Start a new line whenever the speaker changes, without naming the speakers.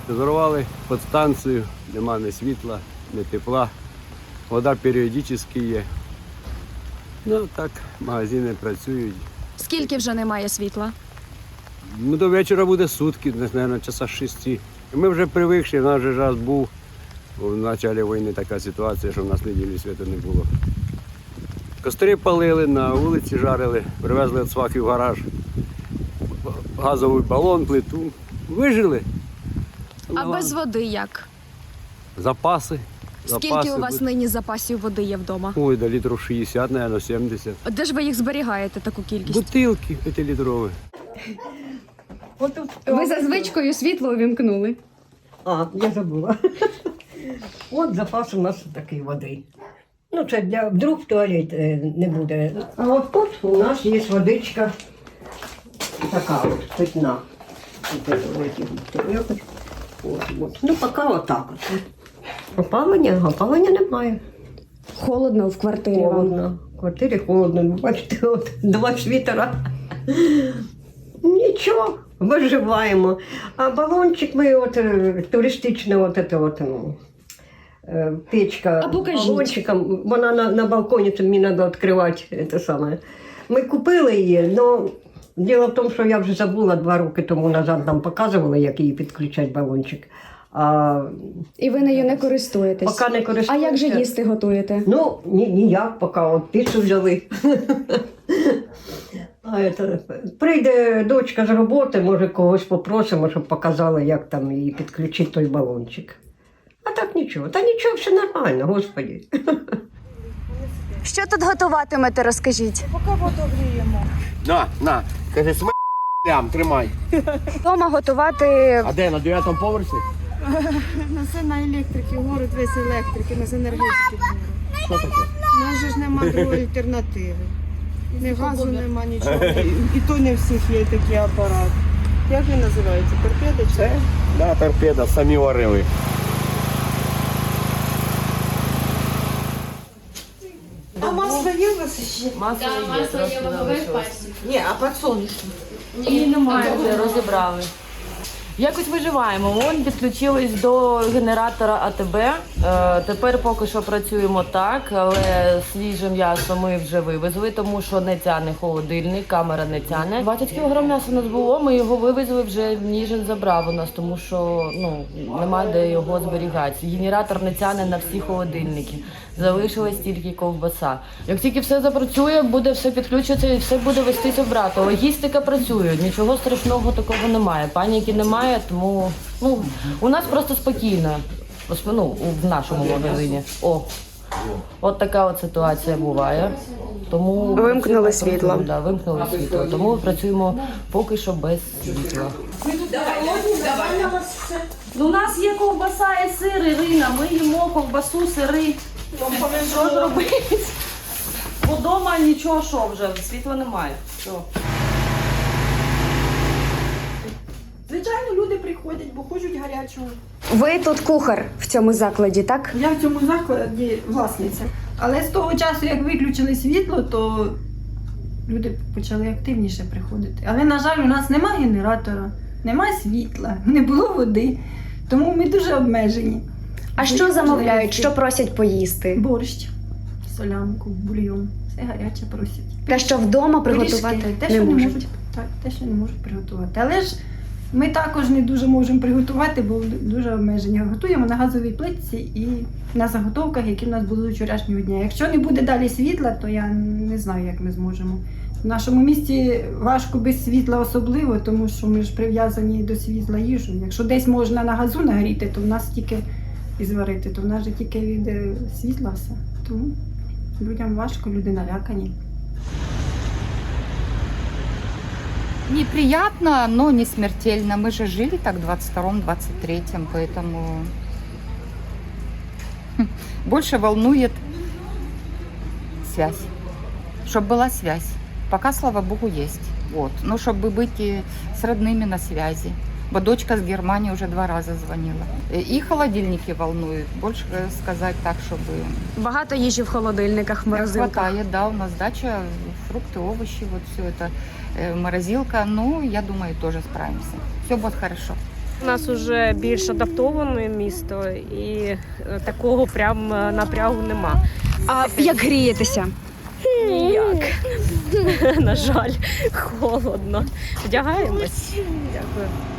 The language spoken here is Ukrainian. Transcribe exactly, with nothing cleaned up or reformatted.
Зорвали підстанцію, нема ні світла, ні тепла. Вода періодично є. Ну так, магазини працюють.
Скільки вже немає світла?
Ну, до вечора буде сутки, десь, мабуть, часа шести. Ми вже привикші, в нас вже раз був в початку війни така ситуація, що в нас неділі світу не було. Костри палили, на вулиці жарили, привезли від свахи в гараж, газовий балон, плиту. Вижили.
А
Ну,
без води як?
Запаси.
Скільки
запаси
у вас
будуть.
нині запасів води є вдома?
Ой, до літрів шістдесят, мабуть, сімдесят.
Де ж ви їх зберігаєте, таку кількість?
Бутилки п'ятилітрові.
Ви за звичкою світло увімкнули.
А, я забула. От запас у нас такий води. Ну, це для вдруг туалет е, не буде. А от тут у нас є водичка така от, питна. От, от, от, от, от. Ну, поки отак от. Опалення, опалення немає.
Холодно в квартирі вам.
Холодно. В квартирі холодно. Ви бачите, от два світера. Нічого, виживаємо. А балончик ми от е, туристична от, от, от, ну, е, печка
А покажіть.
балончиком, вона на, на балконі, то мені треба відкривати це саме. Ми купили її, але діло в тому, що я вже забула два роки тому назад, нам показували, як її підключати балончик. А
І ви нею не користуєтесь?
поки не
А
користуюся.
як же їсти готуєте?
Ну, ні, ніяк, поки от піцу взяли. А це, прийде дочка з роботи, може когось попросимо, щоб показали, як там її підключити той балончик. А так нічого. Та нічого, все нормально, господі.
Що тут готуватимете, розкажіть?
На, на, каже, см лям, тримай.
Вдома готувати...
А де, на дев'ятому поверсі?
На це на електрики, город весь електрики, на енергетики.
Що таке?
У нас же ж нема другої альтернативи. Ні газу нема, нічого. І, і то не всіх є такий апарат. Як він називається? Торпеда чи?
Це? Да, торпеда, самі варили.
А масло є у вас ще?
Масло є, масло є ваговий пальчик.
Ні, а подсолнечне?
Ні, немає, вже розібрали. Якось виживаємо. Вон підключились до генератора А Те Бе. Е, тепер поки що працюємо так, але свіже м'ясо ми вже вивезли, тому що не тяне холодильник, камера не тяне. двадцять кілограм м'яса у нас було, ми його вивезли, вже Ніжин забрав у нас, тому що ну, немає де його зберігати. Генератор не тяне на всі холодильники. Залишилась тільки ковбаса. Як тільки все запрацює, буде все підключиться і все буде вестися в брата. Логістика працює, нічого страшного такого немає. Паніки немає, тому ну, у нас просто спокійно. Ну, в нашому магазині. О, от така от ситуація буває. Тому
Вимкнули
працюємо,
світло.
працюємо, Да, вимкнули світло. Тому працюємо поки що без світла. Ну, у нас є ковбаса і сир, Ірина. Ми їмо ковбасу, сири. Що ж робити? Бо вдома нічого, що вже, світла немає. Що?
Звичайно, люди приходять, бо хочуть гарячого.
Ви тут кухар в цьому закладі, так?
Я в цьому закладі власниця. Але з того часу, як виключили світло, то люди почали активніше приходити. Але, на жаль, у нас немає генератора, немає світла, не було води. Тому ми дуже обмежені.
А що замовляють, що просять поїсти?
Борщ, солянку, бульйон. Все гаряче просять.
Те, що вдома приготувати
Пиріжки, те,
не
що
можуть.
можуть. Так, те, що не можуть приготувати. Але ж ми також не дуже можемо приготувати, бо дуже обмежені. Готуємо на газовій плитці і на заготовках, які в нас були вчорашнього дня. Якщо не буде далі світла, то я не знаю, як ми зможемо. В нашому місті важко без світла особливо, тому що ми ж прив'язані до світла їжу. Якщо десь можна на газу нагріти, то в нас тільки і зварити, то в нас же тільки від е, світла все. Тому людям важко, люди налякані.
Неприятно, но не смертельно. Мы же жили так в двадцать втором — двадцать третьем, поэтому больше волнует связь. Чтобы была связь. Пока, слава богу, есть. Вот. Но чтобы быть и с родными на связи. Бо дочка с Германии уже два раза звонила. И холодильники волнуют. Больше сказать так, чтобы...
Багато їжі в холодильниках, в морозилках.
Хватает, да, у нас дача, фрукты, овощи, вот все это, э, морозилка. Ну, я думаю, тоже справимся. Все будет хорошо.
У нас вже більш адаптоване місто і е, такого прям е, напрягу нема.
А як грієтеся?
Ніяк. На жаль, холодно. Вдягаємось. Дякую.